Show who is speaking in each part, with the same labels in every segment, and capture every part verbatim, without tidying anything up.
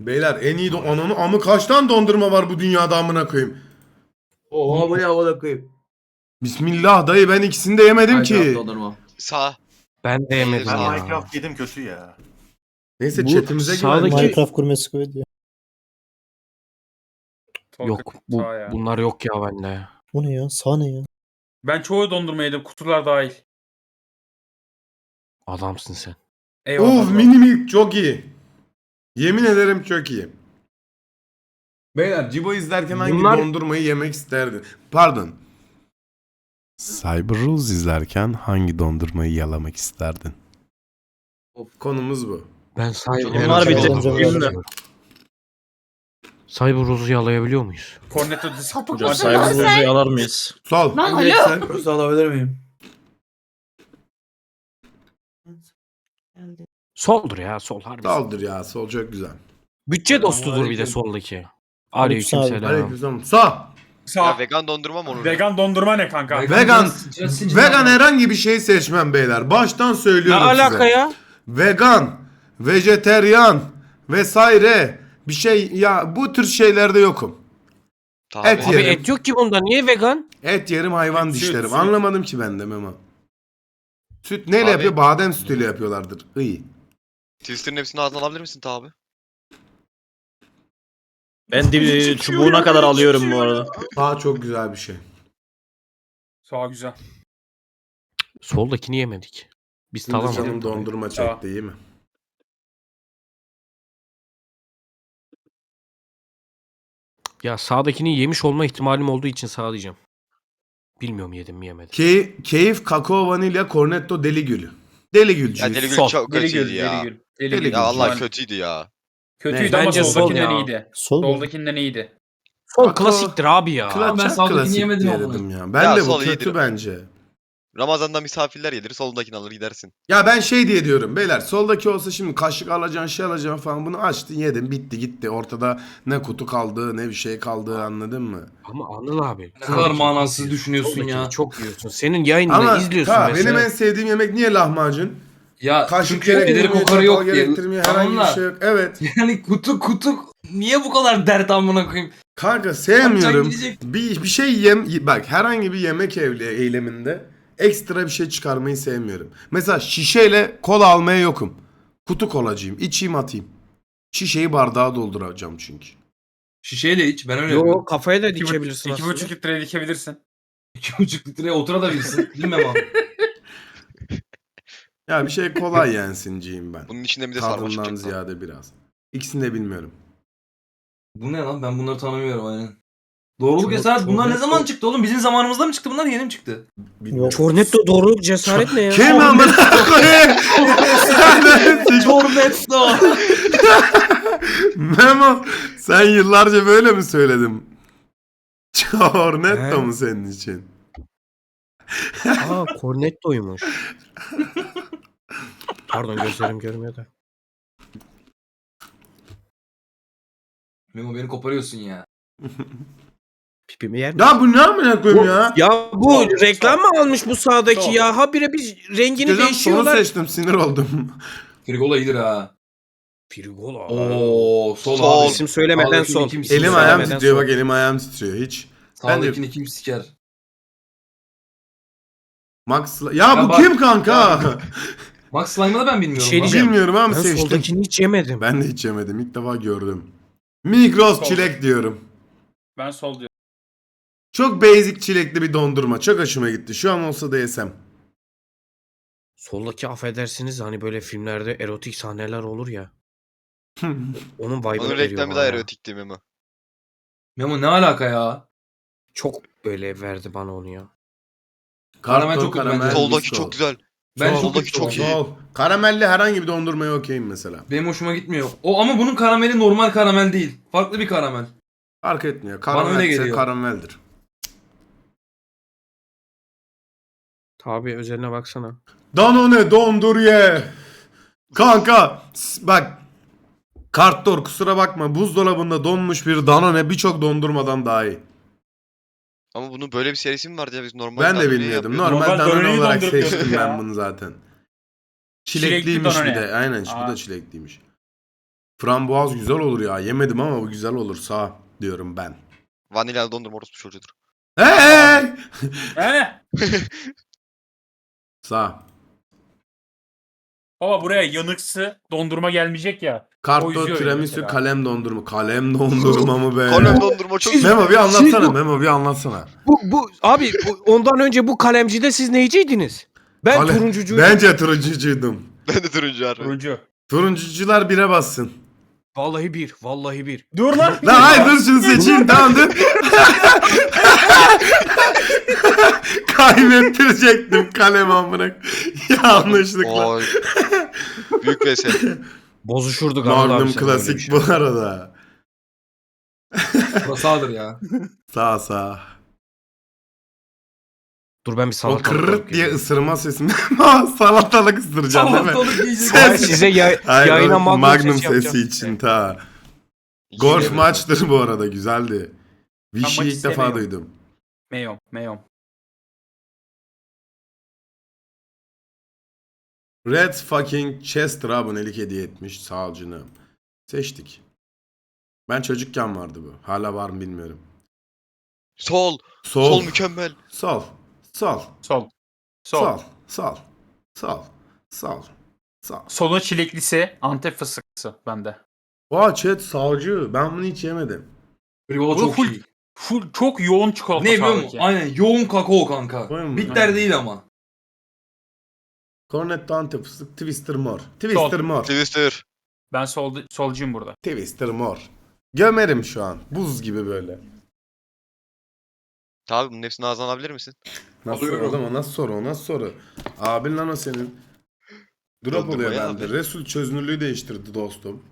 Speaker 1: Beyler en iyi don... Ananı amı kaç tane dondurma var bu dünyada amına koyayım.
Speaker 2: Oha bu ne amına koyayım.
Speaker 1: Bismillah dayı ben ikisini de yemedim
Speaker 2: Minecraft
Speaker 1: ki.
Speaker 2: dondurma.
Speaker 3: Sağ.
Speaker 4: Ben de yemedim
Speaker 3: Ben
Speaker 4: ya.
Speaker 5: Minecraft yedim kötü ya.
Speaker 1: Neyse
Speaker 4: Bu
Speaker 1: chatimize
Speaker 4: sağdaki-
Speaker 1: güvendik.
Speaker 6: Minecraft gurmesi kuvvet diyor.
Speaker 4: Yok bu,
Speaker 7: Sağ ya.
Speaker 4: bunlar yok ya bende.
Speaker 6: Bu ne ya? Sağ ne ya?
Speaker 7: Ben çoğu dondurma yedim. Kutular dahil.
Speaker 4: Adamsın sen.
Speaker 7: Eyvallah.
Speaker 1: Uf mini milk çok iyi. Yemin ederim çok iyi. Beyler Cibo izlerken hangi
Speaker 4: Bunlar-
Speaker 1: dondurmayı yemek isterdin? Pardon. Cyber Rules izlerken hangi dondurmayı yalamak isterdin? Konumuz bu.
Speaker 4: Ben Cyber
Speaker 3: Bunlar bir
Speaker 6: de-
Speaker 4: Cyber Rose'u yalayabiliyor muyuz?
Speaker 7: Cornetto di
Speaker 5: Hocam Cyber Rose'u yalar mıyız?
Speaker 1: Sol.
Speaker 8: Lan
Speaker 1: Evet,
Speaker 8: alo.
Speaker 1: sen-
Speaker 2: Burası alabilir miyim?
Speaker 4: Soldur ya sol harbi.
Speaker 1: Soldur ya sol çok güzel.
Speaker 4: Bütçe dostudur bir de
Speaker 2: Aleyküm.
Speaker 4: soldaki.
Speaker 6: Aleyküm
Speaker 4: Aleykümselam.
Speaker 1: Aleykümselam. Sağ.
Speaker 7: Sağ.
Speaker 3: Ya vegan dondurma mı olur?
Speaker 7: Vegan dondurma ne kanka?
Speaker 1: Vegan.
Speaker 2: Just- just-
Speaker 1: Vegan herhangi bir şey seçmem beyler. Baştan
Speaker 4: Ne
Speaker 1: söylüyorum
Speaker 4: alaka
Speaker 1: size.
Speaker 4: ya?
Speaker 1: Vegan, vejeteryan vesaire bir şey ya bu tür şeylerde yokum.
Speaker 3: Tabii.
Speaker 1: Et
Speaker 4: Abi
Speaker 1: yerim.
Speaker 4: et yok ki bunda. Niye vegan?
Speaker 1: Et yerim hayvan
Speaker 7: Süt,
Speaker 1: dişlerim.
Speaker 7: süt.
Speaker 1: Anlamadım ki ben de Memo. Süt neyle
Speaker 3: Abi-
Speaker 1: yapıyor? Badem sütüyle yapıyorlardır. İyi.
Speaker 3: Twister'ın hepsini ağzına alabilir misin tabi?
Speaker 5: Ben de çubuğuna kadar alıyorum bu arada.
Speaker 1: Daha çok güzel bir şey.
Speaker 7: Sağ güzel.
Speaker 4: Soldakini yemedik. Biz
Speaker 1: Şimdi
Speaker 4: tamam.
Speaker 1: canım dondurma
Speaker 7: Tamam.
Speaker 1: çekti iyi mi?
Speaker 4: Ya sağdakini yemiş olma ihtimalim olduğu için sağ diyeceğim. Bilmiyorum yedim mi yemedim.
Speaker 1: Key, keyif, kakao, vanilya, cornetto, deli gülü. Deli gülcüyüz.
Speaker 3: Ya deli gül
Speaker 4: Sol.
Speaker 3: çok
Speaker 7: Deli
Speaker 3: kötüydü
Speaker 7: gül,
Speaker 3: ya.
Speaker 7: deli gül. Deli
Speaker 1: Deli
Speaker 7: gül.
Speaker 1: gül.
Speaker 3: Ya Allah
Speaker 7: Yani
Speaker 3: kötüydü ya.
Speaker 7: kötüydü
Speaker 4: Ne?
Speaker 7: ama
Speaker 4: Bence sol
Speaker 7: soldakinden
Speaker 4: ya.
Speaker 7: iyiydi.
Speaker 6: Sol mu?
Speaker 7: Soldakinden iyiydi.
Speaker 4: Sol
Speaker 1: Kakao-
Speaker 4: klasiktir abi ya.
Speaker 1: Kla-
Speaker 2: ben
Speaker 1: çok
Speaker 2: sağdakini
Speaker 1: klasik
Speaker 2: yemedim
Speaker 1: diye
Speaker 2: ama.
Speaker 1: dedim ya. Ben
Speaker 3: Ya
Speaker 1: de bu
Speaker 3: sol
Speaker 1: kötü
Speaker 3: iyidir.
Speaker 1: bence.
Speaker 3: Ramazan'da misafirler gelir solundakini alır gidersin.
Speaker 1: Ya ben şey diye diyorum beyler soldaki olsa şimdi kaşık alacaksın şey alacaksın falan bunu açtın yedin bitti gitti ortada ne kutu kaldı ne bir şey kaldı anladın mı?
Speaker 4: Ama Anıl abi.
Speaker 2: Ne kadar manasız düşünüyorsun
Speaker 4: Soldakini
Speaker 2: ya.
Speaker 4: çok yiyorsun. Senin yayınını
Speaker 1: Ama
Speaker 4: izliyorsun
Speaker 1: ta,
Speaker 4: mesela.
Speaker 1: benim en sevdiğim yemek niye lahmacun?
Speaker 2: Ya
Speaker 1: Kaşık
Speaker 2: çünkü ederi
Speaker 1: gerektirmiyor,
Speaker 2: kokarı
Speaker 1: çatal
Speaker 2: yok diye.
Speaker 1: gerektirmiyor herhangi bir
Speaker 2: Tamam da,
Speaker 1: şey yok. Evet.
Speaker 2: Yani kutu kutu niye bu kadar dert amına koyayım?
Speaker 1: Kanka sevmiyorum.
Speaker 2: gidecek.
Speaker 1: Bir, bir şey yem bak herhangi bir yemek evli eyleminde ekstra bir şey çıkarmayı sevmiyorum. Mesela şişeyle kola almaya yokum. Kutu kolacıyım. İçeyim atayım. Şişeyi bardağa dolduracağım çünkü.
Speaker 2: Şişeyle iç ben öyle yapıyorum.
Speaker 4: Yo kafaya da
Speaker 7: İki, bu-
Speaker 4: dikebilirsin
Speaker 7: iki
Speaker 4: aslında.
Speaker 7: buçuk litreye dikebilirsin.
Speaker 2: İki buçuk litreye oturabilirsin. Bilmem abi.
Speaker 1: Ya bir şey kolay yensinciyim ben.
Speaker 3: Bunun içinde bir de sarmaşık
Speaker 1: Tadından
Speaker 3: çıktı.
Speaker 1: ziyade biraz. İkisini de bilmiyorum.
Speaker 2: Bu ne lan ben bunları tanımıyorum aynen. Doğruluk
Speaker 4: Çok-
Speaker 2: cesaret
Speaker 4: çok
Speaker 2: bunlar ne
Speaker 4: net
Speaker 2: zaman
Speaker 4: o.
Speaker 2: çıktı oğlum? Bizim zamanımızda mı çıktı bunlar yeni mi çıktı?
Speaker 1: Bilmiyorum.
Speaker 4: Cornetto doğruluk cesaret ne ya?
Speaker 1: Kim amına koyayım? Sen neresin?
Speaker 2: Cornetto.
Speaker 1: Memo sen yıllarca böyle mi söyledin? Cornetto
Speaker 4: He.
Speaker 1: mu senin için?
Speaker 4: Aa Cornetto'ymuş. Pardon gözlerim görmüyor da.
Speaker 2: Memo beni koparıyorsun ya.
Speaker 4: Pipimi yer mi?
Speaker 1: Ya bu ne amına koyayım ya?
Speaker 4: Ya bu
Speaker 7: Sol,
Speaker 4: reklam
Speaker 7: sol.
Speaker 4: mı almış bu sağdaki
Speaker 7: Sol.
Speaker 4: ya? Habire bir rengini
Speaker 1: Hocam sonu
Speaker 4: değişiyorlar.
Speaker 1: seçtim sinir oldum.
Speaker 2: Frigola iyidir ha.
Speaker 4: Frigola.
Speaker 2: Oo sol,
Speaker 3: Sol.
Speaker 2: abi.
Speaker 4: İsim söylemeden
Speaker 2: Sağdakini
Speaker 4: sol.
Speaker 2: kim
Speaker 4: İsim
Speaker 1: Elim
Speaker 2: Söylemeden
Speaker 1: ayağım
Speaker 4: söylemeden
Speaker 1: titriyor
Speaker 4: sol.
Speaker 1: bak elim ayağım titriyor hiç.
Speaker 2: Sağdakini kim siker?
Speaker 1: Max ya
Speaker 2: Ya
Speaker 1: bu
Speaker 2: bak-
Speaker 1: kim kanka?
Speaker 2: Ya- Max Slime'ı da ben bilmiyorum.
Speaker 4: şey
Speaker 2: lan.
Speaker 4: diyeceğim.
Speaker 1: Bilmiyorum ama
Speaker 4: Ben
Speaker 1: seçtim.
Speaker 4: soldakini hiç yemedim.
Speaker 1: Ben de hiç yemedim ilk defa gördüm. Migros
Speaker 7: Sol.
Speaker 1: çilek diyorum.
Speaker 7: Ben sol diyorum.
Speaker 1: Çok basic çilekli bir dondurma. Çok hoşuma gitti. Şu an olsa da yesem.
Speaker 4: Soldaki affedersiniz hani böyle filmlerde erotik sahneler olur ya. Onun vibe'ını
Speaker 3: Onun
Speaker 4: veriyor
Speaker 3: reklamı
Speaker 4: bana
Speaker 3: da
Speaker 4: ya.
Speaker 3: erotikti Memo.
Speaker 2: Memo ne alaka ya?
Speaker 4: Çok böyle verdi bana onu ya.
Speaker 2: Karamel
Speaker 1: Karton,
Speaker 2: çok kötü
Speaker 1: karamel,
Speaker 2: bence.
Speaker 3: Soldaki
Speaker 1: bisküvi.
Speaker 3: çok güzel.
Speaker 2: Ben
Speaker 1: Sol,
Speaker 2: çok
Speaker 3: soldaki çok iyi.
Speaker 1: Sol. Karamelli herhangi bir dondurmaya okeyim mesela.
Speaker 2: Benim hoşuma gitmiyor. O ama bunun karameli normal karamel değil. Farklı bir karamel.
Speaker 1: Fark etmiyor.
Speaker 2: Bana öyle
Speaker 1: Karamelse
Speaker 2: geliyor.
Speaker 1: karameldir.
Speaker 4: Tabi özeline baksana.
Speaker 1: Danone dondur ye. Kanka s- bak. Karttor kusura bakma. Buzdolabında donmuş bir Danone birçok dondurmadan daha iyi.
Speaker 3: Ama bunun böyle bir serisi mi vardı ya biz normal
Speaker 1: Ben de
Speaker 3: Danone'yi
Speaker 1: bilmiyordum.
Speaker 3: yapıyorduk.
Speaker 1: Normal
Speaker 7: Normal
Speaker 1: Danone
Speaker 7: Danone'yi
Speaker 1: olarak
Speaker 7: donduruyorduk
Speaker 1: seçtim
Speaker 7: ya.
Speaker 1: ben bunu zaten.
Speaker 7: Çilekli
Speaker 1: Çilekliymiş bir
Speaker 7: Danone.
Speaker 1: de. Aynen bu
Speaker 7: Aa.
Speaker 1: da çilekliymiş. Frambuaz güzel olur ya. Yemedim ama bu güzel olur. Sağ diyorum ben.
Speaker 3: Vanilyalı dondurma orospu çocuğudur.
Speaker 1: Hey!
Speaker 7: He?
Speaker 1: Sağ.
Speaker 7: Baba buraya yanıksı dondurma gelmeyecek ya. O
Speaker 1: Karto,
Speaker 7: yüzüyor
Speaker 1: tiramisu,
Speaker 7: mesela.
Speaker 1: kalem dondurma. Kalem dondurma mı be?
Speaker 3: Kalem dondurma çok güzel.
Speaker 1: Memo bir anlatsana.
Speaker 4: Siz bu-
Speaker 1: Memo bir anlatsana.
Speaker 4: Bu, bu abi bu- ondan önce bu kalemcide siz neyciydiniz? Ben
Speaker 1: Kale-
Speaker 4: turuncucuydum.
Speaker 1: Bence turuncucuydum.
Speaker 3: Ben de turuncu harbi.
Speaker 7: Turuncu.
Speaker 1: Turuncucular bire bassın.
Speaker 4: Vallahi bir, vallahi bir.
Speaker 7: Dur lan.
Speaker 1: Lan hayır dur şunu seçeyim tamam dur. Kaybettirecektim kalem amına. Yanlışlıkla.
Speaker 3: Oy. Büyük mesele.
Speaker 4: Bozuşurduk Anıl abi
Speaker 1: Magnum
Speaker 4: sen böyle bir
Speaker 1: klasik
Speaker 4: şey.
Speaker 1: bu arada.
Speaker 2: Bu sağdır ya.
Speaker 1: Sağ sağ.
Speaker 4: Dur ben bir
Speaker 1: O
Speaker 4: salatalık
Speaker 1: kırırt
Speaker 4: alıp
Speaker 1: diye
Speaker 4: geliyorum.
Speaker 1: ısırma sesini. Salatalık ısıracaksın değil mi?
Speaker 2: Salatalık yiyecek.
Speaker 1: Ses-
Speaker 4: Hayır, size ya-
Speaker 1: Hayır,
Speaker 4: yayına
Speaker 1: o
Speaker 4: Magnum,
Speaker 1: Magnum
Speaker 4: sesi,
Speaker 1: sesi,
Speaker 4: yapacağım.
Speaker 1: için ta. Golf
Speaker 3: Yine-
Speaker 1: maçtır bu arada güzeldi.
Speaker 7: maç
Speaker 1: Vichy'yi ilk defa
Speaker 7: istemiyorum.
Speaker 1: duydum.
Speaker 7: Meyom. Meyom.
Speaker 1: Red fucking Chester abonelik hediye etmiş. Sağ ol canım. Seçtik. Ben çocukken vardı bu. Hala var mı bilmiyorum.
Speaker 3: Sol.
Speaker 1: Sol.
Speaker 3: Sol mükemmel.
Speaker 1: Sol. Sol.
Speaker 7: Sol. Sol.
Speaker 1: Sol. Sol. Sol. Sol. Sol.
Speaker 7: Sonu çileklisi, Antep fıstıklısı bende.
Speaker 1: Vay chat sağcı. Ben bunu hiç yemedim.
Speaker 2: Briola
Speaker 7: Bu
Speaker 2: çok
Speaker 7: full,
Speaker 2: iyi.
Speaker 7: full çok yoğun çikolata
Speaker 2: Ne biliyor musun?
Speaker 7: sağdaki.
Speaker 2: Aynen yoğun kakao kanka.
Speaker 1: Koyun mu?
Speaker 2: Bitter
Speaker 1: Aynen.
Speaker 2: değil ama.
Speaker 1: Cornetto Antep fıstık. Twister mor. Twister mor.
Speaker 3: Twister.
Speaker 7: Ben sol, solcuyum burada.
Speaker 1: Twister mor. Gömerim şu an. Buz gibi böyle.
Speaker 3: Tabi bunun hepsini ağzına alabilir misin?
Speaker 1: Nasıl
Speaker 2: Alıyorum.
Speaker 1: oğlum o nasıl soru o nasıl soru? Abin lan o senin. Drop
Speaker 3: Dondurma
Speaker 1: oluyor
Speaker 3: ya
Speaker 1: bende.
Speaker 3: abi.
Speaker 1: Resul çözünürlüğü değiştirdi dostum.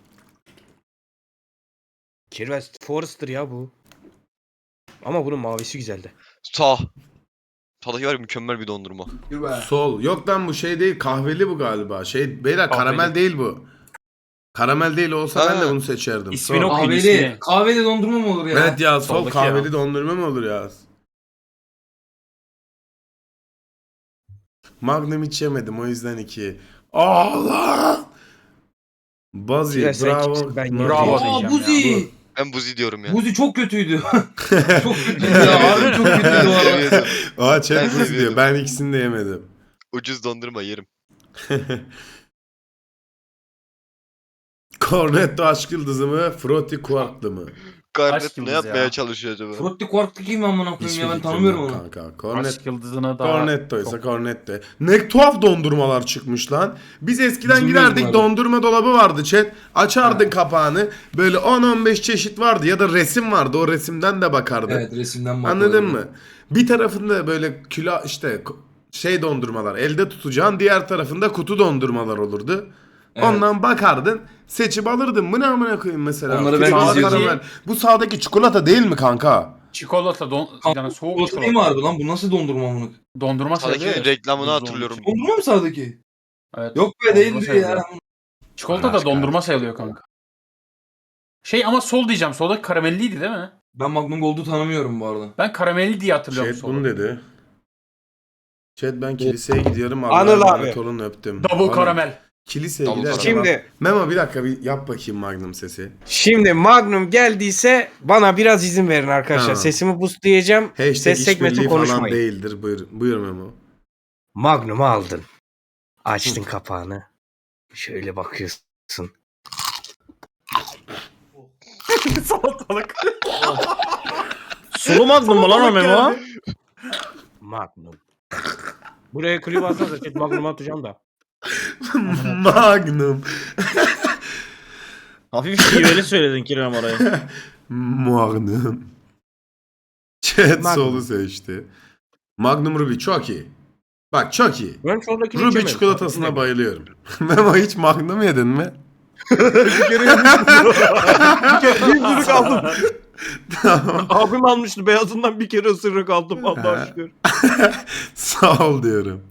Speaker 4: Kirves Forrester ya bu. Ama bunun mavisi güzeldi.
Speaker 3: Sağ. Sağdaki var ya mükemmel bir dondurma.
Speaker 2: Yürü be.
Speaker 1: Sol. Yok lan bu şey değil kahveli bu galiba. Şey beyler
Speaker 7: Kahveli.
Speaker 1: karamel değil bu. Karamel değil olsa ben de
Speaker 3: Ha.
Speaker 1: bunu seçerdim.
Speaker 7: İsmini
Speaker 1: Sol.
Speaker 7: okuyun
Speaker 2: Kahveli.
Speaker 7: ismini.
Speaker 2: Kahveli dondurma mı olur ya?
Speaker 1: Evet ya sol
Speaker 7: Soldaki
Speaker 1: kahveli
Speaker 7: ya.
Speaker 1: dondurma mı olur ya? Magnum hiç yemedim o yüzden iki. Allah! Bazi
Speaker 4: Kirves sen
Speaker 1: bravo.
Speaker 4: kimsin? Ben
Speaker 7: Bravo.
Speaker 2: Aa
Speaker 7: diyeceğim
Speaker 2: Buzi.
Speaker 3: Ben buzi diyorum ya.
Speaker 2: Buzi çok kötüydü. çok kötüydü ya. Harbi çok kötüydü bu arada.
Speaker 1: Aa chat
Speaker 3: Ben
Speaker 1: buz diyor.
Speaker 3: seviyordum.
Speaker 1: Ben ikisini de yemedim.
Speaker 3: Ucuz dondurma yerim.
Speaker 1: Cornetto aşk yıldızı mı? Frutti Quark'lı mı?
Speaker 3: Garnet
Speaker 7: Aşk
Speaker 3: ne
Speaker 7: yıldızı
Speaker 3: yapmaya
Speaker 7: ya.
Speaker 3: çalışıyor acaba?
Speaker 2: Frutti Quark'tı kim amına koyayım ya ben
Speaker 1: fikrim
Speaker 2: tanımıyorum
Speaker 1: yok
Speaker 2: onu.
Speaker 1: Kanka. Cornet,
Speaker 7: Aşk yıldızına da
Speaker 1: Cornetto ise Cornetto. Ne tuhaf dondurmalar çıkmış lan. Biz eskiden
Speaker 2: Bizim
Speaker 1: giderdik
Speaker 2: bilmiyorum
Speaker 1: dondurma dolabı vardı chat. Açardın kapağını. Böyle on on beş çeşit vardı ya da resim vardı. O resimden de bakardın.
Speaker 2: Evet resimden bakıyorum.
Speaker 1: Anladın mı? Bir tarafında böyle külah işte ko- şey dondurmalar elde tutacağın, diğer tarafında kutu dondurmalar olurdu.
Speaker 2: Evet.
Speaker 1: Ondan bakardın, seçip alırdın. Bu ne amına koyayım mesela?
Speaker 2: Onları ben
Speaker 1: Sağdaki
Speaker 7: izliyordum.
Speaker 1: karamel. Bu sağdaki çikolata değil mi kanka?
Speaker 7: çikolata don yani soğuk
Speaker 2: Çikolata değil mi
Speaker 7: çikolata.
Speaker 2: harbi lan? Bu nasıl dondurma amına?
Speaker 7: Dondurma sayılıyor
Speaker 3: Sağdaki
Speaker 7: ya.
Speaker 3: reklamını
Speaker 7: Buzlu
Speaker 3: hatırlıyorum.
Speaker 7: olduğu için.
Speaker 2: Dondurma mı sağdaki?
Speaker 7: Evet.
Speaker 2: Yok be
Speaker 7: Dondurma
Speaker 2: değildir
Speaker 7: sayılıyor.
Speaker 2: ya.
Speaker 7: Çikolata da
Speaker 1: Başka.
Speaker 7: dondurma sayılıyor kanka. Şey ama sol diyeceğim. Soldaki karamelliydi değil mi?
Speaker 2: Ben Magnum Gold'u tanımıyorum bu arada.
Speaker 7: Ben karamelli diye hatırlıyorum
Speaker 1: Chat
Speaker 7: solu.
Speaker 1: bunu dedi. Chat ben kiliseye gidiyorum.
Speaker 4: Anıl
Speaker 1: Allah'a
Speaker 4: abi.
Speaker 1: emanet olun öptüm.
Speaker 7: Double
Speaker 1: Anıl,
Speaker 7: karamel.
Speaker 1: Kiliseye
Speaker 3: Double
Speaker 1: giderken
Speaker 3: karamel.
Speaker 1: bak-
Speaker 4: Şimdi
Speaker 1: Memo bir dakika bir yap bakayım Magnum sesi.
Speaker 4: şimdi Magnum geldiyse bana biraz izin verin arkadaşlar.
Speaker 1: Tamam.
Speaker 4: Sesimi boostlayacağım.
Speaker 1: Hashtag
Speaker 4: Ses segmenti
Speaker 1: işbirliği falan
Speaker 4: konuşmayın.
Speaker 1: değildir. Buyur, buyur Memo.
Speaker 4: Magnum'u aldın. Açtın kapağını. Şöyle bakıyorsun.
Speaker 7: Salatalık.
Speaker 5: Sulu magnum mu lan o Memo?
Speaker 4: Magnum. Buraya klip atarsa chat Magnum'u atacağım da.
Speaker 1: Magnum.
Speaker 5: Hafif şiveli söyledin Kirem orayı.
Speaker 1: Magnum. Chat
Speaker 4: Magnum.
Speaker 1: solu seçti. Magnum Ruby çok iyi. Bak çok iyi.
Speaker 4: Ben soldakini
Speaker 1: Ruby
Speaker 4: içemedim.
Speaker 1: çikolatasına bayılıyorum. Memo hiç Magnum yedin mi?
Speaker 4: Bir kere bir kere bir ısırık aldım.
Speaker 1: Tamam.
Speaker 4: Abim almıştı beyazından bir kere ısırık aldım Allah'a şükür.
Speaker 1: Sağ ol diyorum.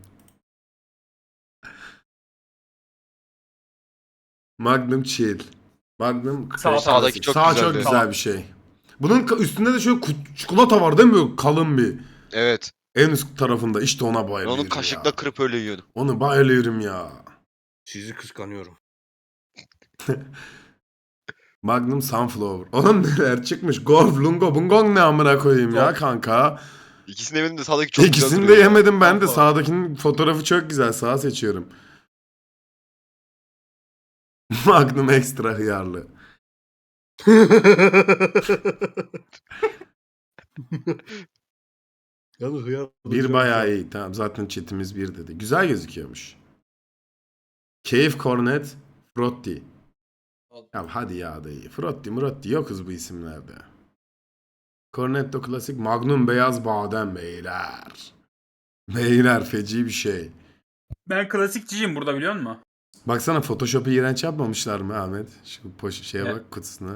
Speaker 1: Magnum chill. Magnum
Speaker 7: Sağ-
Speaker 3: sağdaki çok
Speaker 1: Sağ
Speaker 3: güzel
Speaker 1: çok
Speaker 3: bir-
Speaker 1: güzel
Speaker 7: Tamam.
Speaker 1: bir şey. Bunun ka- üstünde de şöyle kut- çikolata var değil mi? Böyle kalın bir.
Speaker 3: Evet.
Speaker 1: En üst tarafında işte ona
Speaker 3: Ben
Speaker 1: bayılıyorum
Speaker 3: onu kaşıkla
Speaker 1: ya.
Speaker 3: kırıp öyle yiyordum.
Speaker 1: Onu bayılıyorum ya.
Speaker 4: Sizi kıskanıyorum.
Speaker 1: Magnum Sunflower. Oğlum neler çıkmış? Golf, Lungo, Bungong ne amına koyayım ya kanka.
Speaker 3: İkisini yemedim de sağdaki çok güzel
Speaker 1: İkisini de
Speaker 3: duruyor ya.
Speaker 1: yemedim ben de.
Speaker 7: Sunflower.
Speaker 1: Sağdakinin fotoğrafı çok güzel. Sağa seçiyorum. Magnum ekstra hıyarlı.
Speaker 4: Yalnız hıyar.
Speaker 1: Bir bayağı iyi. Tamam zaten chatimiz bir dedi. Güzel gözüküyormuş. Cave Cornet Frotti. Ya hadi ya dayı. Frotti Murotti yokuz bu isimlerde. Cornetto klasik Magnum beyaz badem beyler. Beyler feci bir şey.
Speaker 7: Ben klasikçiyim burada biliyor musun?
Speaker 1: Baksana Photoshop'u iğrenç yapmamışlar mı Ahmet? Şu poş şeye
Speaker 7: Evet.
Speaker 1: bak kutusuna.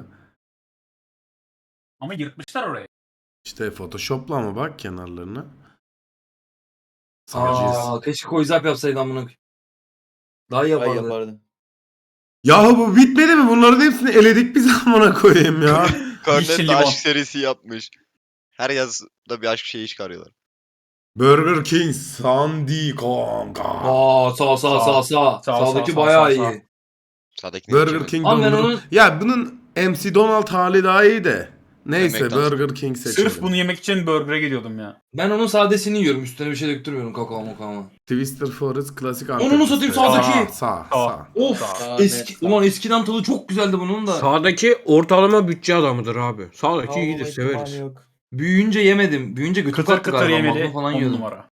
Speaker 7: Ama yırtmışlar orayı.
Speaker 1: İşte Photoshop'la ama bak kenarlarına. Sağcıyız.
Speaker 2: Aa, keşke koyzap yapsaydı amına koyayım. Daha iyi
Speaker 6: Ay
Speaker 2: yapardı.
Speaker 6: yapardı.
Speaker 1: Ya bu bitmedi mi? Bunların hepsini eledik biz amına koyayım ya.
Speaker 3: Cornet
Speaker 7: Yeşil
Speaker 3: de
Speaker 7: limon.
Speaker 3: aşk serisi yapmış. Her yazda bir aşk şeyi çıkarıyorlar.
Speaker 1: Burger King Sandy kanka.
Speaker 2: Aa sağ sağ sağ sağ.
Speaker 7: Sağ,
Speaker 2: Sağdaki
Speaker 7: sağ,
Speaker 2: bayağı
Speaker 7: sağ, sağ.
Speaker 2: iyi.
Speaker 3: Sağdakini
Speaker 1: Burger
Speaker 3: içemedim.
Speaker 1: King
Speaker 2: Ama ben
Speaker 1: dondurma-
Speaker 2: onun-
Speaker 1: Ya bunun M C Donald hali daha iyi de. Neyse
Speaker 3: McDonald's.
Speaker 1: Burger King seçelim.
Speaker 7: Sırf bunu yemek için burger'e gidiyordum ya.
Speaker 2: Ben onun sadesini yiyorum. Üstüne bir şey döktürmüyorum kakao makao.
Speaker 1: Twister Forest klasik
Speaker 2: Onu
Speaker 1: Antep
Speaker 2: satayım,
Speaker 1: fıstığı.
Speaker 2: sağdaki.
Speaker 1: Sağ, sağ,
Speaker 7: Sağ.
Speaker 1: sağ.
Speaker 2: Of
Speaker 6: Sağ,
Speaker 2: eski
Speaker 6: net, sağ.
Speaker 2: ulan eskiden tadı çok güzeldi bunun da.
Speaker 4: Sağdaki ortalama bütçe adamıdır abi. Sağdaki
Speaker 6: Almama
Speaker 4: iyidir
Speaker 6: ihtimali
Speaker 4: severiz.
Speaker 6: yok.
Speaker 2: Büyüyünce yemedim. Büyüyünce götü
Speaker 7: Kıtır
Speaker 2: kalktı
Speaker 7: kıtır
Speaker 2: galiba.
Speaker 7: yemeli
Speaker 2: Magnum falan
Speaker 7: on
Speaker 2: yiyordum.
Speaker 7: numara.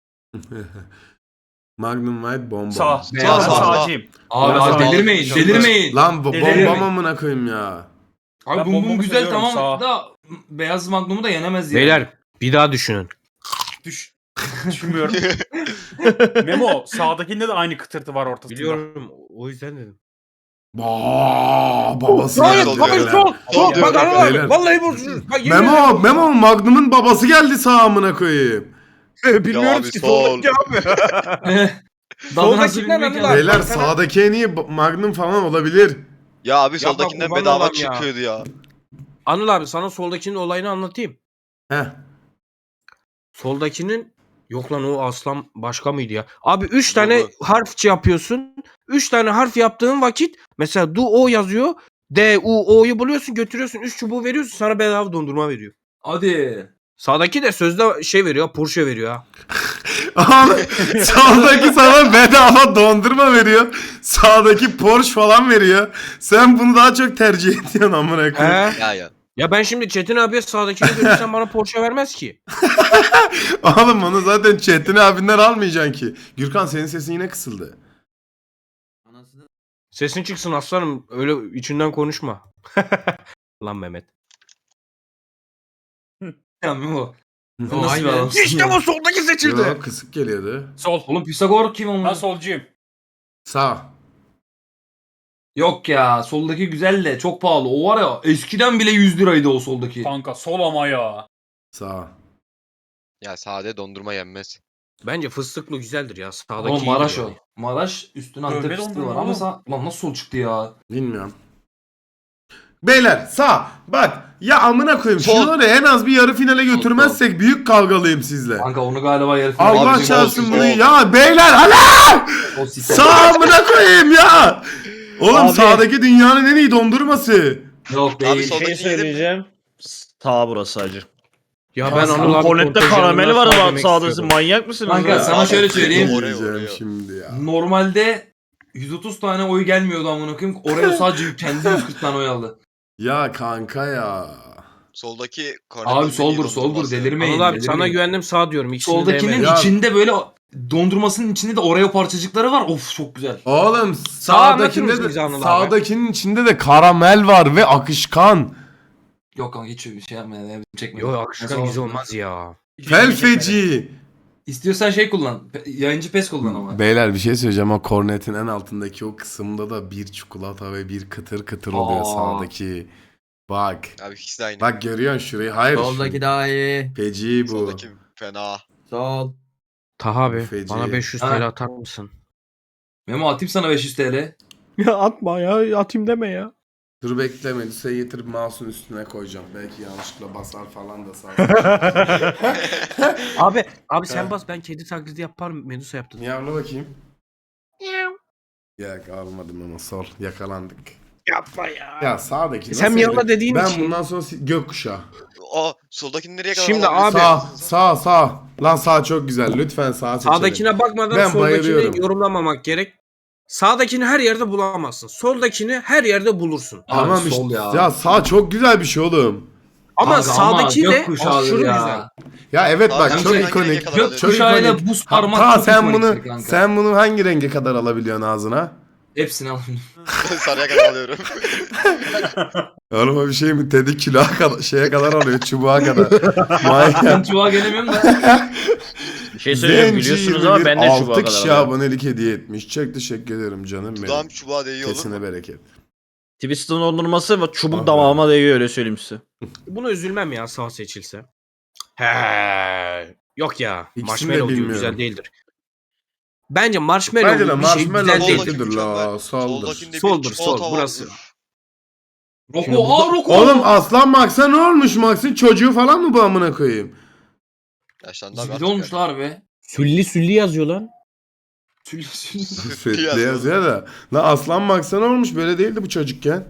Speaker 1: Magnum White bonbon.
Speaker 7: Sağ.
Speaker 2: Beyaz
Speaker 7: Sağ.
Speaker 3: sağ.
Speaker 7: Sağcıyım.
Speaker 2: Abi,
Speaker 1: Ya
Speaker 2: abi
Speaker 1: sağ-
Speaker 2: delirmeyin
Speaker 1: sağ-
Speaker 2: delirmeyin.
Speaker 1: Lan bu
Speaker 7: Delirim.
Speaker 1: bombam amına koyayım ya.
Speaker 2: Abi
Speaker 7: Ben
Speaker 2: bum bum
Speaker 7: bombomu
Speaker 2: güzel
Speaker 7: seviyorum,
Speaker 2: tamam
Speaker 7: sağ.
Speaker 2: da beyaz Magnum'u da yenemez yani.
Speaker 4: Beyler bir daha düşünün.
Speaker 7: Düş. Düşünmüyorum. Memo sağdakinde de aynı kıtırtı var ortasında.
Speaker 4: Biliyorum o yüzden dedim.
Speaker 1: Aa, babası
Speaker 3: Hayır,
Speaker 1: geldi.
Speaker 3: hayır,
Speaker 1: beyler.
Speaker 3: sol. Sol diyorum.
Speaker 4: Bak Anıl
Speaker 1: Beyler.
Speaker 4: abi vallahi bozulur. Bak, yemin
Speaker 1: Memo,
Speaker 4: ederim.
Speaker 1: Memo Magnum'un babası geldi sağ amına koyayım.
Speaker 4: Bilmiyoruz
Speaker 3: abi,
Speaker 4: ki
Speaker 3: sol.
Speaker 4: soldaki abi.
Speaker 2: Daha
Speaker 4: Soldaki
Speaker 2: nasıl
Speaker 4: ne
Speaker 2: bilmiyorum
Speaker 4: lan
Speaker 2: ki
Speaker 4: lan?
Speaker 2: abi.
Speaker 1: Beyler
Speaker 4: baksana.
Speaker 1: sağdaki en iyi ba- Magnum falan olabilir.
Speaker 3: Ya abi
Speaker 4: Ya
Speaker 3: soldakinden
Speaker 4: bak,
Speaker 3: bedava
Speaker 4: kurban olayım ya.
Speaker 3: çıkıyordu ya.
Speaker 4: Anıl abi sana soldakinin olayını anlatayım.
Speaker 1: Heh.
Speaker 4: Soldakinin yok lan o aslan başka mıydı ya? Abi üç tane
Speaker 3: Bu-
Speaker 4: harf yapıyorsun. üç tane harf yaptığın vakit mesela du o yazıyor. D U O'yu buluyorsun götürüyorsun üç çubuğu veriyorsun sana bedava dondurma veriyor.
Speaker 2: Hadi.
Speaker 4: Sağdaki de sözde şey veriyor Porsche veriyor ha.
Speaker 1: Oğlum, sağdaki sana bedava dondurma veriyor. Sağdaki Porsche falan veriyor. Sen bunu daha çok tercih ediyorsun amına koyayım.
Speaker 4: He?
Speaker 3: Ya ya.
Speaker 4: Ya ben şimdi Çetin abiye sağdakini görürsem bana Porsche vermez ki.
Speaker 1: Oğlum onu zaten Çetin abinden almayacaksın ki. Gürkan senin sesin yine kısıldı.
Speaker 4: Sesin çıksın aslanım öyle içinden konuşma. Lan Mehmet.
Speaker 2: Ya Memo.
Speaker 1: Hı.
Speaker 2: O nasıl bir adamsın
Speaker 4: İşte
Speaker 2: ya?
Speaker 4: bu soldaki seçildi.
Speaker 1: Yok kısık geliyordu.
Speaker 7: Sol.
Speaker 2: Oğlum Pisagor kim onun?
Speaker 7: Ben solcuyum.
Speaker 1: Sağ.
Speaker 2: Yok ya soldaki güzel de çok pahalı. O var ya eskiden bile yüz liraydı o soldaki.
Speaker 7: Kanka sol ama ya.
Speaker 1: Sağ.
Speaker 3: Ya sade dondurma yenmez.
Speaker 4: Bence fıstıklı güzeldir ya. Sağdaki
Speaker 2: Oğlum Maraş
Speaker 4: iyidir
Speaker 2: o.
Speaker 4: yani.
Speaker 2: Maraş üstüne
Speaker 7: Dövme
Speaker 2: Antep fıstığı
Speaker 7: dondurma
Speaker 2: var ama
Speaker 7: oğlum.
Speaker 2: sağ... Lan nasıl sol çıktı ya?
Speaker 1: Bilmiyorum. Beyler sağ. Bak ya amına koyayım.
Speaker 3: Sol.
Speaker 1: Şunları en az bir yarı finale götürmezsek büyük kavgalıyım sizle.
Speaker 2: Kanka onu galiba yarı
Speaker 1: Allah
Speaker 3: Abicim,
Speaker 1: çarpsın
Speaker 3: olsun,
Speaker 1: bunu.
Speaker 3: sol.
Speaker 1: Ya beyler hala!
Speaker 2: O sistem.
Speaker 1: Sağ amına koyayım ya. Oğlum
Speaker 5: Abi.
Speaker 1: sağdaki dünyanın en iyi dondurması.
Speaker 2: Yok
Speaker 3: Abi
Speaker 2: değil.
Speaker 3: sol-
Speaker 5: Bir şey
Speaker 3: Soldaki yedim.
Speaker 5: söyleyeceğim. Sağ burası acı.
Speaker 4: Ya
Speaker 2: Ya
Speaker 4: ben
Speaker 2: sağ-
Speaker 4: Anıl abi
Speaker 5: Kornette
Speaker 4: kontenjanından
Speaker 5: karameli var
Speaker 4: sağ
Speaker 5: ama
Speaker 4: demek
Speaker 5: sağdası
Speaker 4: istiyordum.
Speaker 5: manyak mısınız?
Speaker 2: Kanka
Speaker 5: ya?
Speaker 2: sana şöyle söyleyeyim.
Speaker 3: Oraya,
Speaker 1: Diyeceğim
Speaker 3: oraya.
Speaker 1: şimdi ya.
Speaker 2: Normalde yüz otuz tane oy gelmiyordu amına koyayım. Oraya sadece kendi yüz kırk tane oy aldı.
Speaker 1: Ya kanka ya.
Speaker 3: Soldaki Cornet'in
Speaker 2: Abi soldur
Speaker 3: iyi
Speaker 2: soldur
Speaker 3: dondurması.
Speaker 2: delirmeyin.
Speaker 4: Anıl abi sana
Speaker 2: delirmeyin.
Speaker 4: güvendim sağ diyorum. İkisini de
Speaker 2: Soldakinin
Speaker 4: yemedim.
Speaker 1: Ya-
Speaker 2: içinde böyle dondurmasının içinde de Oreo parçacıkları var. Of çok güzel.
Speaker 1: Oğlum
Speaker 4: anlatır
Speaker 1: sağdakinde
Speaker 4: mısın
Speaker 1: de
Speaker 4: bize Anıl abi?
Speaker 1: sağdakinin içinde de karamel var ve akışkan.
Speaker 2: Yok kanka hiç bir şey yapmayın. Ya, çekmeyin.
Speaker 4: Yo
Speaker 2: Ben
Speaker 4: akışkan
Speaker 2: sağ
Speaker 4: güzel
Speaker 2: olsun.
Speaker 4: olmaz ya.
Speaker 1: Felfeci.
Speaker 2: İstiyorsan şey kullan. Pe- Yayıncı pes kullan ama.
Speaker 1: Beyler bir şey söyleyeceğim ama kornetin en altındaki o kısımda da bir çikolata ve bir kıtır kıtır oluyor
Speaker 2: Aa.
Speaker 1: sağdaki. Bak.
Speaker 3: Abi ikisi de aynı.
Speaker 1: Bak görüyorsun şurayı. Hayır.
Speaker 8: Soldaki daha iyi.
Speaker 1: Feci bu.
Speaker 3: Soldaki fena.
Speaker 8: Sol.
Speaker 4: Taha abi
Speaker 1: Feci.
Speaker 4: bana beş yüz
Speaker 2: Ha.
Speaker 4: T L atar mısın?
Speaker 2: Memo atayım sana beş yüz T L.
Speaker 4: Ya atma ya atayım deme ya.
Speaker 1: Dur bekle Melisa'yı getirip mouse'un üstüne koyacağım. Belki yanlışlıkla basar falan da sağ
Speaker 4: Abi abi sen
Speaker 1: Ha.
Speaker 4: bas ben kedi taklidi yaparım Medusa yaptın.
Speaker 1: Miyavla bakayım. Yok almadım ama sol. Yakalandık.
Speaker 4: Yapma ya.
Speaker 1: Ya sağdaki
Speaker 4: Sen
Speaker 1: nasıl
Speaker 4: Miyavla
Speaker 1: herif?
Speaker 4: dediğin
Speaker 1: Ben
Speaker 4: için-
Speaker 1: bundan sonra si- gökkuşağı.
Speaker 3: Aa soldakini nereye kadar
Speaker 4: Şimdi
Speaker 3: alabilirsin?
Speaker 4: abi-
Speaker 1: Sağ sağ sağ. Lan sağ çok güzel. Lütfen sağ seçelim.
Speaker 4: Sağdakine bakmadan
Speaker 1: Ben
Speaker 4: soldakini
Speaker 1: bayılıyorum.
Speaker 4: yorumlamamak gerek. Sağdakini her yerde bulamazsın. Soldakini her yerde bulursun.
Speaker 1: Tamam
Speaker 2: Abi,
Speaker 1: işte.
Speaker 2: sol
Speaker 1: Ya.
Speaker 2: ya.
Speaker 1: sağ çok güzel bir şey oğlum.
Speaker 4: Ama
Speaker 2: Abi
Speaker 4: sağdaki de
Speaker 2: gökkuşağıdır
Speaker 4: aşırı
Speaker 2: ya.
Speaker 4: güzel.
Speaker 1: Ya evet
Speaker 3: Abi
Speaker 1: bak
Speaker 3: hem
Speaker 1: çok
Speaker 3: de hangi
Speaker 1: ikonik.
Speaker 3: renge kadar
Speaker 1: Çok
Speaker 3: alıyorsun?
Speaker 2: Gökkuşağıyla
Speaker 1: ikonik.
Speaker 2: buz
Speaker 1: Ha,
Speaker 2: parmak
Speaker 1: ta
Speaker 2: çok
Speaker 1: sen
Speaker 2: ikoniktir
Speaker 1: bunu
Speaker 2: kanka.
Speaker 1: sen bunu hangi renge kadar alabiliyorsun ağzına?
Speaker 2: Hepsini alayım.
Speaker 3: Sarıya kadar alıyorum.
Speaker 1: Oğlum o bir şey mi? Teddy kilo kadar, şeye kadar alıyor, çubuğa kadar.
Speaker 2: Ben
Speaker 1: Manyak.
Speaker 2: çubuğa gelemiyorum da.
Speaker 5: Bir şey söyleyeyim biliyorsunuz ama ben de çubuğa
Speaker 1: altı
Speaker 5: kadar
Speaker 1: kişi
Speaker 5: alıyorum.
Speaker 1: abonelik hediye etmiş. Çok teşekkür ederim canım benim.
Speaker 3: Dudağım çubuğa değiyor olur mu?
Speaker 1: Kesine bereket.
Speaker 5: Twisted dondurması ve çubuk
Speaker 1: Ah
Speaker 5: damağıma değiyor öyle söyleyeyim size.
Speaker 4: Buna üzülmem ya sağ seçilse. He. Yok ya.
Speaker 1: İkisini de
Speaker 4: Marshmallow diyor
Speaker 1: bilmiyorum.
Speaker 4: güzel değildir. Bence marshmallow
Speaker 1: Bence de
Speaker 4: bir şey
Speaker 1: marshmallow
Speaker 4: güzel değil.
Speaker 3: Soldaki
Speaker 1: kötüdür
Speaker 3: mükemmel.
Speaker 1: la. Soldur.
Speaker 3: Soldakinde bir
Speaker 4: Soldur,
Speaker 3: çikolata
Speaker 4: sol,
Speaker 3: var.
Speaker 4: burası.
Speaker 3: Üf.
Speaker 4: Şimdi
Speaker 2: Roko,
Speaker 4: bu-
Speaker 2: aa Roko.
Speaker 1: Oğlum Aslan Max'a ne olmuş Max'in çocuğu falan mı bu amına koyayım?
Speaker 3: Yaşlandı abi
Speaker 2: Zibidi
Speaker 3: artık
Speaker 2: olmuşlar be.
Speaker 4: Sülli sülli yazıyor lan.
Speaker 2: Tülü tülü.
Speaker 1: Sürekli
Speaker 3: yazıyor.
Speaker 1: yazıyor da. La Aslan Max'a ne olmuş böyle değildi bu çocukken.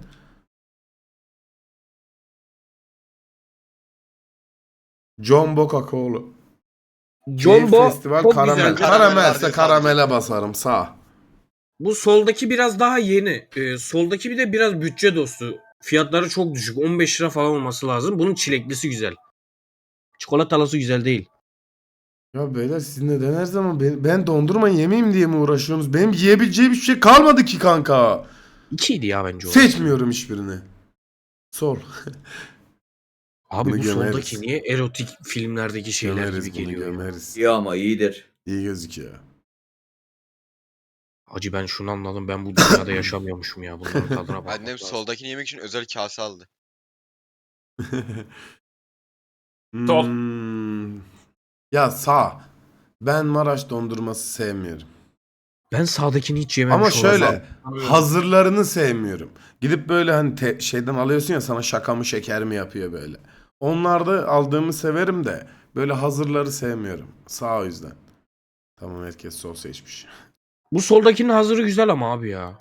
Speaker 1: Jumbo Kakaolu.
Speaker 4: Jumbo
Speaker 1: Festival
Speaker 4: çok
Speaker 1: karamel.
Speaker 4: güzel.
Speaker 3: Karamel
Speaker 1: Karamelse
Speaker 3: vardı
Speaker 1: karamele
Speaker 3: sadece.
Speaker 1: basarım sağ.
Speaker 4: Bu soldaki biraz daha yeni. Ee, soldaki bir de biraz bütçe dostu. Fiyatları çok düşük. on beş lira falan olması lazım. Bunun çileklisi güzel. Çikolatalısı güzel değil.
Speaker 1: Ya beyler siz neden her zaman ben, ben dondurma yemeyeyim diye mi uğraşıyorsunuz? Benim yiyebileceğim hiçbir şey kalmadı ki kanka.
Speaker 4: İkiydi ya bence o.
Speaker 1: Seçmiyorum hiçbirini. Sol.
Speaker 4: Abi
Speaker 1: Bunu
Speaker 4: bu
Speaker 1: gömeriz.
Speaker 4: soldaki niye erotik filmlerdeki şeyler
Speaker 1: Gömeriz
Speaker 4: gibi
Speaker 1: bunu
Speaker 4: geliyor ya?
Speaker 1: gömeriz.
Speaker 8: İyi ama iyidir.
Speaker 1: İyi gözüküyor.
Speaker 4: Hacı ben şunu anladım. Ben bu dünyada yaşamıyormuşum ya. Bunların tadına bakmak
Speaker 3: Annem
Speaker 4: lazım.
Speaker 3: soldakini yemek için özel kase aldı.
Speaker 7: Sol.
Speaker 1: Hmm. Ya sağ. Ben Maraş dondurması sevmiyorum.
Speaker 4: Ben sağdakini hiç yememiş
Speaker 1: Ama şöyle
Speaker 4: olamam.
Speaker 1: hazırlarını sevmiyorum. Gidip böyle hani te- şeyden alıyorsun ya sana şaka mı şeker mi yapıyor böyle. Onlarda aldığımı severim de böyle hazırları sevmiyorum. Sağ o yüzden. Tamam herkes sol seçmiş.
Speaker 4: Bu soldakinin hazırı güzel ama abi ya.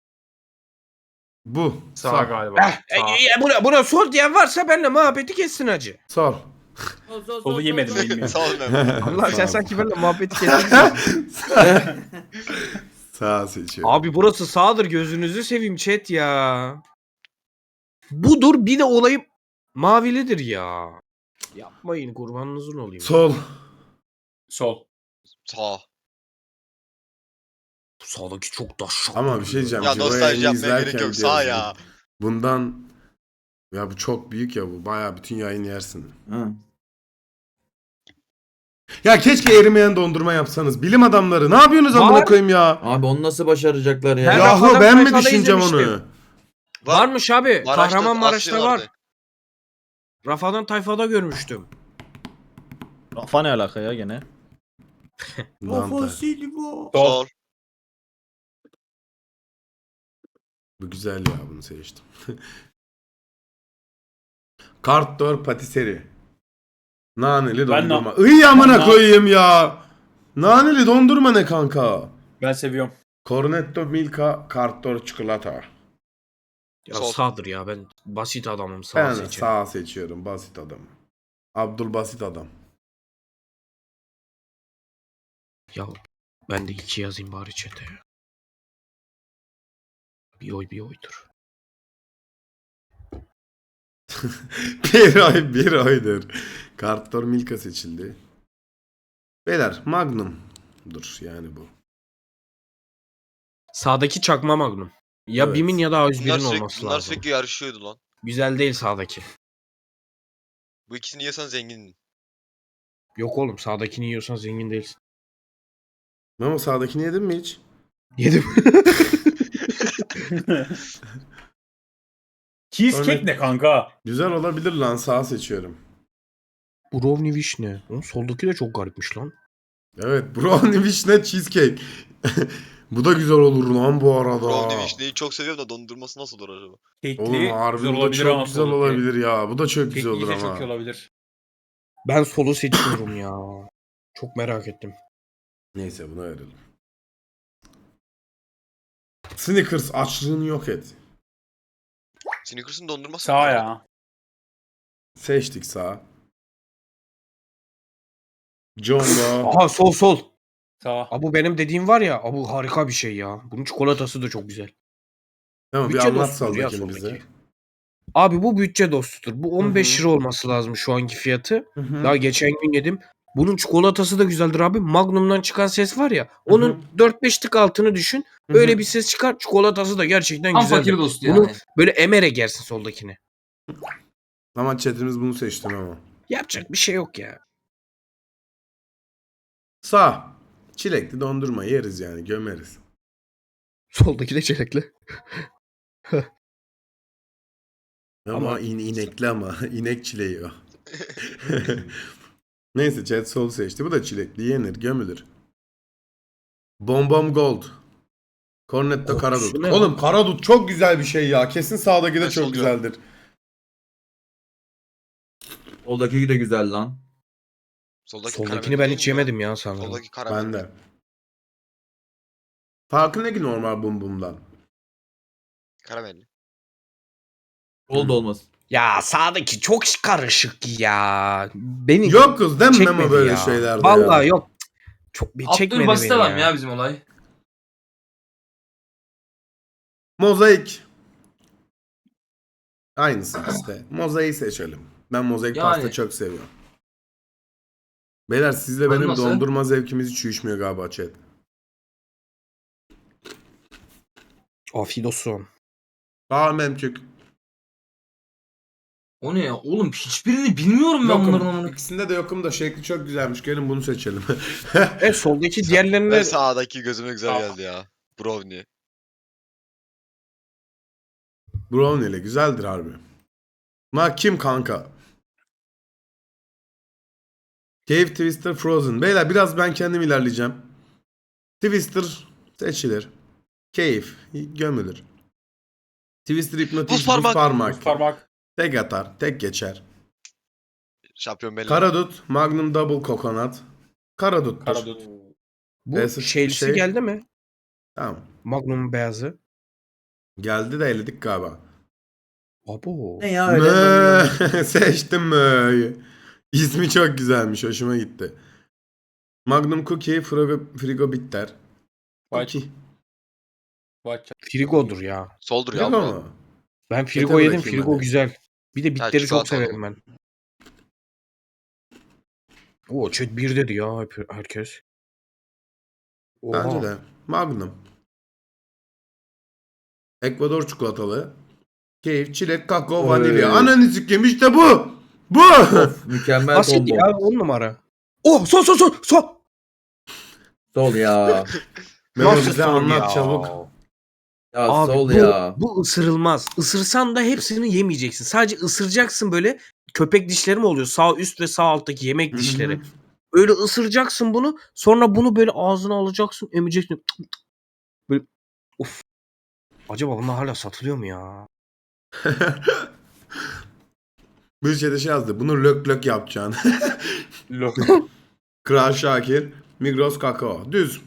Speaker 1: Bu.
Speaker 7: Sağ
Speaker 1: Sağ.
Speaker 7: galiba.
Speaker 4: E,
Speaker 7: Sağ.
Speaker 4: e, buna, buna sol diyen varsa benimle muhabbeti kessin hacı.
Speaker 1: Sol.
Speaker 7: Solu yemedim bilmiyorum.
Speaker 3: Sağ ol Mehmet.
Speaker 4: Allah sen
Speaker 1: Sağ.
Speaker 4: sanki benimle muhabbeti kessin.
Speaker 1: Sağ seçiyorum.
Speaker 4: Abi burası sağdır gözünüzü seveyim chat ya. Budur bir de olayı mavilidir ya. Yapmayın kurbanınızın olayım.
Speaker 1: Sol.
Speaker 7: Sol.
Speaker 3: Sağ.
Speaker 4: Bu sağdaki çok da şak.
Speaker 1: Ama bir şey diyeceğim.
Speaker 3: Ya
Speaker 1: Ciro'yu
Speaker 3: nostalji
Speaker 1: yayını
Speaker 3: yapmaya gerek
Speaker 1: izlerken
Speaker 3: yok. Sağ
Speaker 1: diyoruz
Speaker 3: ya.
Speaker 1: bu. Bundan ya bu çok büyük ya bu. Bayağı bütün yayın yersin.
Speaker 8: Hı.
Speaker 1: Ya keşke erimeyen dondurma yapsanız. Bilim adamları ne yapıyorsunuz amına
Speaker 4: Var.
Speaker 1: koyayım ya?
Speaker 8: Abi onu nasıl başaracaklar ya?
Speaker 4: Ben
Speaker 1: Yahu
Speaker 4: Rafadan
Speaker 1: ben mi
Speaker 4: Tayfa'da
Speaker 1: düşüneceğim
Speaker 4: izlemiştim.
Speaker 1: onu?
Speaker 4: Varmış abi.
Speaker 3: Maraş'ta
Speaker 4: Kahramanmaraş'ta var.
Speaker 3: aslıyorlardı.
Speaker 4: Rafadan Tayfa'da görmüştüm.
Speaker 5: Rafa ne alaka ya gene?
Speaker 1: Danta.
Speaker 7: Sol.
Speaker 3: Sol.
Speaker 1: Bu güzel ya bunu seçtim. Kartdor patiseri. Naneli
Speaker 7: Ben
Speaker 1: dondurma. Iy
Speaker 7: Ben
Speaker 1: amına
Speaker 7: na-
Speaker 1: koyayım ya. Naneli dondurma ne kanka?
Speaker 7: Ben seviyorum.
Speaker 1: Cornetto Milka Kartdor çikolata.
Speaker 4: Ya
Speaker 3: Sol.
Speaker 4: sağdır ya ben basit adamım sağ
Speaker 1: Ben
Speaker 4: seçerim.
Speaker 1: sağ seçiyorum basit adam. Abdul basit adam.
Speaker 4: Ya ben de iki yazayım bari chat'e. Bir oy bir oydur.
Speaker 1: bir oy bir oydur. Kartdor Milka seçildi. Beyler Magnum'dur yani bu.
Speaker 4: Sağdaki çakma Magnum. Ya
Speaker 1: Evet.
Speaker 4: Bim'in ya da A yüz
Speaker 3: Bunlar
Speaker 4: bir'in
Speaker 3: sürekli,
Speaker 4: olması
Speaker 3: bunlar
Speaker 4: lazım.
Speaker 3: sürekli yarışıyordu lan.
Speaker 4: Güzel değil sağdaki.
Speaker 3: Bu ikisini yesen zengindin.
Speaker 4: Yok oğlum sağdakini yiyorsan zengin değilsin.
Speaker 1: Memo sağdakini yedin mi hiç?
Speaker 4: Yedim.
Speaker 7: Cheesecake
Speaker 1: Örnek-
Speaker 7: ne kanka?
Speaker 1: Güzel olabilir lan sağ seçiyorum.
Speaker 4: Brownie vişne. Oğlum soldaki de çok garipmiş lan.
Speaker 1: Evet brownie vişne cheesecake. Bu da güzel olur lan bu arada.
Speaker 3: Brownie vişneyi çok seviyorum da dondurması nasıl olur acaba?
Speaker 7: Kekli
Speaker 1: Oğlum harbi
Speaker 7: güzel
Speaker 1: bu da
Speaker 7: olabilir
Speaker 1: çok
Speaker 7: ama
Speaker 1: güzel
Speaker 7: solu.
Speaker 1: olabilir ya. Bu da çok güzel
Speaker 7: Kekli
Speaker 1: olur
Speaker 7: de
Speaker 1: ama.
Speaker 7: çok iyi olabilir.
Speaker 4: Ben solu seçiyorum ya. Çok merak ettim.
Speaker 1: Neyse buna verelim. Snickers açlığını yok et.
Speaker 3: Snickers'ın dondurması
Speaker 7: Sağ
Speaker 3: mı?
Speaker 7: ya.
Speaker 1: Seçtik sağ. Jumbo.
Speaker 4: Aha sol sol.
Speaker 7: Sağ.
Speaker 4: Abu benim dediğim var ya. Abu harika bir şey ya. Bunun çikolatası da çok güzel.
Speaker 1: Tamam bir
Speaker 4: Bütçe
Speaker 1: anlat
Speaker 4: dostudur ya
Speaker 1: soldakini bize.
Speaker 4: soldaki. Abi bu bütçe dostudur. Bu on beş
Speaker 1: Hı hı.
Speaker 4: lira olması lazım şu anki fiyatı.
Speaker 1: Hı hı.
Speaker 4: Daha geçen gün yedim. Bunun çikolatası da güzeldir abi. Magnum'dan çıkan ses var ya. Onun dört beş tık altını düşün.
Speaker 1: Hı hı.
Speaker 4: Öyle bir ses çıkar. Çikolatası da gerçekten
Speaker 2: Tam
Speaker 4: güzeldir.
Speaker 2: fakir dostu
Speaker 4: Bunu
Speaker 2: yani.
Speaker 4: böyle emere gersin soldakini.
Speaker 1: Ama chatimiz bunu seçtin ama.
Speaker 4: Yapacak bir şey yok ya.
Speaker 1: Sağ. Çilekli dondurma yeriz yani gömeriz.
Speaker 4: Soldaki de çilekli.
Speaker 1: Ama,
Speaker 4: Ama-
Speaker 1: in, inekli ama. İnek çileği o. Neyse chat sol seçti. Bu da çilekli yenir gömülür. Bombom Gold. Cornetto
Speaker 4: Kokusu
Speaker 1: Karadut.
Speaker 4: ne?
Speaker 1: Oğlum Karadut çok güzel bir şey ya. Kesin sağdaki de
Speaker 3: Ben
Speaker 1: çok
Speaker 3: sol
Speaker 1: güzeldir.
Speaker 8: Soldaki de güzel lan.
Speaker 3: Soldaki
Speaker 4: Soldakini
Speaker 3: karamel
Speaker 4: ben
Speaker 3: değil
Speaker 4: hiç
Speaker 3: mi ya?
Speaker 4: yemedim ya sanırım.
Speaker 3: Soldaki karamel.
Speaker 1: Ben de. Farkı ne ki normal bum bumdan?
Speaker 3: Karamelli.
Speaker 8: Sol da olmasın.
Speaker 4: Ya sağdaki çok karışık ya. Beni
Speaker 1: Yok kız değil mi
Speaker 4: çekmedi
Speaker 1: Memo böyle
Speaker 4: ya.
Speaker 1: şeylerde
Speaker 4: Vallahi
Speaker 1: ya?
Speaker 4: yok. Çok bir çekmedi
Speaker 2: Abdülbasit
Speaker 4: beni
Speaker 2: adam
Speaker 4: ya.
Speaker 2: ya bizim olay.
Speaker 1: Mozaik. Aynısı işte. Mozaiği seçelim. Ben mozaik
Speaker 2: Yani.
Speaker 1: pasta çok seviyorum. Beyler sizle
Speaker 2: Tadı
Speaker 1: benim
Speaker 2: nasıl?
Speaker 1: dondurma zevkimiz hiç uyuşmuyor galiba chat.
Speaker 4: Afiyet olsun.
Speaker 1: Aa memçük.
Speaker 2: O ne ya? Oğlum hiçbirini bilmiyorum ben bunların
Speaker 1: Yokum.
Speaker 2: amına.
Speaker 1: İkisinde de yokum da şekli çok güzelmiş. Gelin bunu seçelim.
Speaker 4: E soldaki
Speaker 3: Ben
Speaker 4: diğerlerine
Speaker 3: sağdaki gözüme güzel
Speaker 7: Sağ.
Speaker 3: geldi ya. Brownie.
Speaker 1: Brownie ile güzeldir harbi. Ma kim kanka? Cave Twister Frozen. Beyler biraz ben kendim ilerleyeceğim. Twister seçilir. Cave gömülür. Twister Hypnotic
Speaker 3: Buz parmak.
Speaker 1: parmak.
Speaker 7: Buz parmak.
Speaker 1: Tek atar, tek geçer.
Speaker 3: Şampiyon belli.
Speaker 1: Karadut, Magnum Double Coconut. Karadut'tur.
Speaker 7: Karadut.
Speaker 4: bu
Speaker 1: Beyazı
Speaker 4: şeylisi
Speaker 1: şey-
Speaker 4: geldi mi?
Speaker 1: Tamam.
Speaker 4: Magnum beyazı.
Speaker 1: Geldi de eledik galiba.
Speaker 4: Abo.
Speaker 8: Ne ya öyle?
Speaker 1: Mö. Seçtim Mö'yü. İsmi çok güzelmiş. Hoşuma gitti. Magnum Cookie, Frigo, Frigo Bitter.
Speaker 7: White.
Speaker 1: Cookie.
Speaker 7: White.
Speaker 4: Frigo'dur ya.
Speaker 3: Soldur ya.
Speaker 1: Frigo
Speaker 3: bu.
Speaker 1: mu?
Speaker 4: Ben
Speaker 1: Ete
Speaker 4: Frigo yedim.
Speaker 1: bırakayım
Speaker 4: Frigo
Speaker 1: hadi.
Speaker 4: güzel. Bir de bitleri çok
Speaker 3: çikolata
Speaker 4: severim
Speaker 3: alalım.
Speaker 4: ben. Oo chat bir dedi ya hep- herkes. Oha.
Speaker 1: Bence de. Magnum. Ekvador çikolatalı. Keyif, çilek, kakao,
Speaker 8: Oy.
Speaker 1: vanilya. Ananı sikeyim işte bu. Bu.
Speaker 8: Of, mükemmel
Speaker 4: Basit
Speaker 8: combo.
Speaker 4: ya on numara. Oh sol sol sol sol.
Speaker 8: Sol ya.
Speaker 1: Memo
Speaker 4: Nasıl
Speaker 1: bize
Speaker 4: sol
Speaker 1: anlat
Speaker 4: ya?
Speaker 1: çabuk.
Speaker 8: Ya
Speaker 4: Abi
Speaker 8: sol
Speaker 4: bu,
Speaker 8: ya.
Speaker 4: bu ısırılmaz. Isırsan da hepsini yemeyeceksin. Sadece ısıracaksın böyle. Köpek dişleri mi oluyor? Sağ üst ve sağ alttaki yemek dişleri. Öyle ısıracaksın bunu. Sonra bunu böyle ağzına alacaksın. Emeceksin. Böyle of. Acaba bunlar hala satılıyor mu ya?
Speaker 1: Bir şeyde şey yazdı. Bunu lök lök yapacaksın.
Speaker 7: Lok.
Speaker 1: Kral Şakir. Migros kakao. Düz.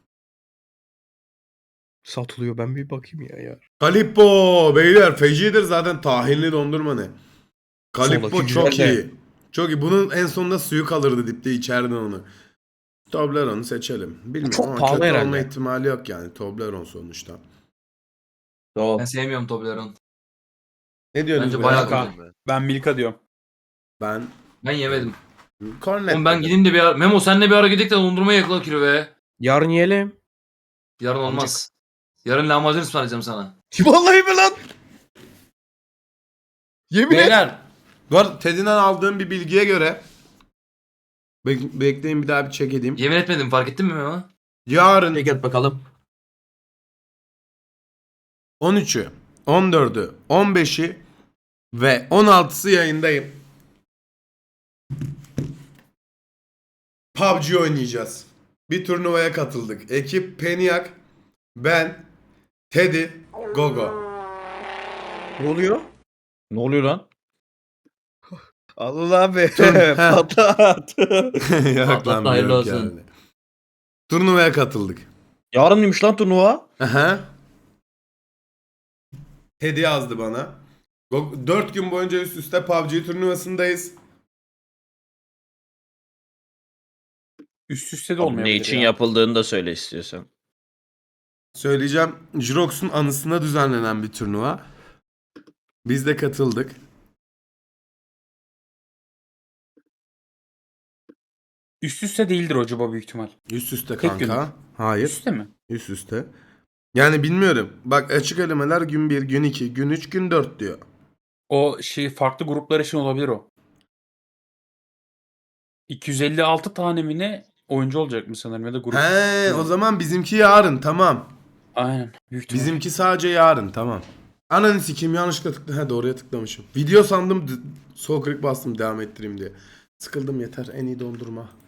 Speaker 4: Satılıyor. Ben bir bakayım ya ya.
Speaker 1: Kalippo. Beyler fecidir zaten tahinli dondurma ne? Kalippo
Speaker 4: Soldaki
Speaker 1: çok
Speaker 4: güzel de.
Speaker 1: iyi. Çok iyi. Bunun en sonunda suyu kalırdı dipte içerdin onu. Toblerone'u seçelim. Bilmiyorum
Speaker 4: Çok
Speaker 1: ama
Speaker 4: pahalı
Speaker 1: kötü olma
Speaker 4: herhalde.
Speaker 1: ihtimali yok yani. Toblerone sonuçta.
Speaker 8: Sol.
Speaker 2: Ben sevmiyorum Toblerone.
Speaker 1: Ne diyorsunuz?
Speaker 2: Bence
Speaker 1: beyler?
Speaker 2: bayağı
Speaker 7: Milka. Ben Milka diyorum.
Speaker 1: Ben
Speaker 2: Ben yemedim.
Speaker 1: Cornetto.
Speaker 2: Oğlum ben gideyim de bir ara... Memo senle bir ara gidelim de dondurmayı yakala kilo be.
Speaker 4: Yarın yiyelim.
Speaker 2: Yarın olmaz. Yarın lahmacun ısmarlayacağım sana.
Speaker 4: Vallahi mi lan? Yemin et.
Speaker 2: Beyler.
Speaker 1: Bu arada Teddy'den aldığım bir bilgiye göre Bek- bekleyin bir daha bir check edeyim.
Speaker 2: Yemin etmedim fark ettin mi Memo?
Speaker 1: Yarın
Speaker 8: Çek et bakalım.
Speaker 1: on üçü, on dördü, on beşi ve on altısı yayındayım. P U B G oynayacağız. Bir turnuvaya katıldık. Ekip Peniak, ben, Teddy, Gogo.
Speaker 4: Ne oluyor?
Speaker 5: Ne oluyor lan?
Speaker 4: Allah abi.
Speaker 1: Heh.
Speaker 4: Patlat.
Speaker 1: Yok
Speaker 3: Patlat
Speaker 1: lan
Speaker 3: da hayırlı
Speaker 1: yok
Speaker 3: olsun.
Speaker 1: yani. Turnuvaya katıldık.
Speaker 5: Yarın mıymış lan turnuva?
Speaker 1: Aha. Teddy yazdı bana. dört gün boyunca üst üste P U B G turnuvasındayız.
Speaker 7: Üst üste de
Speaker 5: Abi
Speaker 7: olmayabilir
Speaker 5: ne için
Speaker 7: ya.
Speaker 5: yapıldığını da söyle istiyorsan.
Speaker 1: Söyleyeceğim. Jirox'un anısına düzenlenen bir turnuva. Biz de katıldık.
Speaker 7: Üst üste değildir acaba büyük ihtimal.
Speaker 1: Üst üste
Speaker 7: Tek
Speaker 1: kanka. Hayır.
Speaker 7: Üst üste mi?
Speaker 1: Üst üste. Yani bilmiyorum. Bak açık elemeler gün bir, gün iki, gün üç, gün dört diyor.
Speaker 7: O şey farklı gruplar için olabilir o. iki yüz elli altı tane mi ne oyuncu olacak mı sanırım ya da grup.
Speaker 1: He, o zaman bizimki yarın tamam.
Speaker 7: Aynen. Büyük ihtimal.
Speaker 1: Bizimki sadece yarın tamam. Ananı sikeyim yanlışlıkla tıkladım. He doğruya tıklamışım. Video sandım. d- Sol klik bastım devam ettireyim diye. Sıkıldım yeter. En iyi dondurma.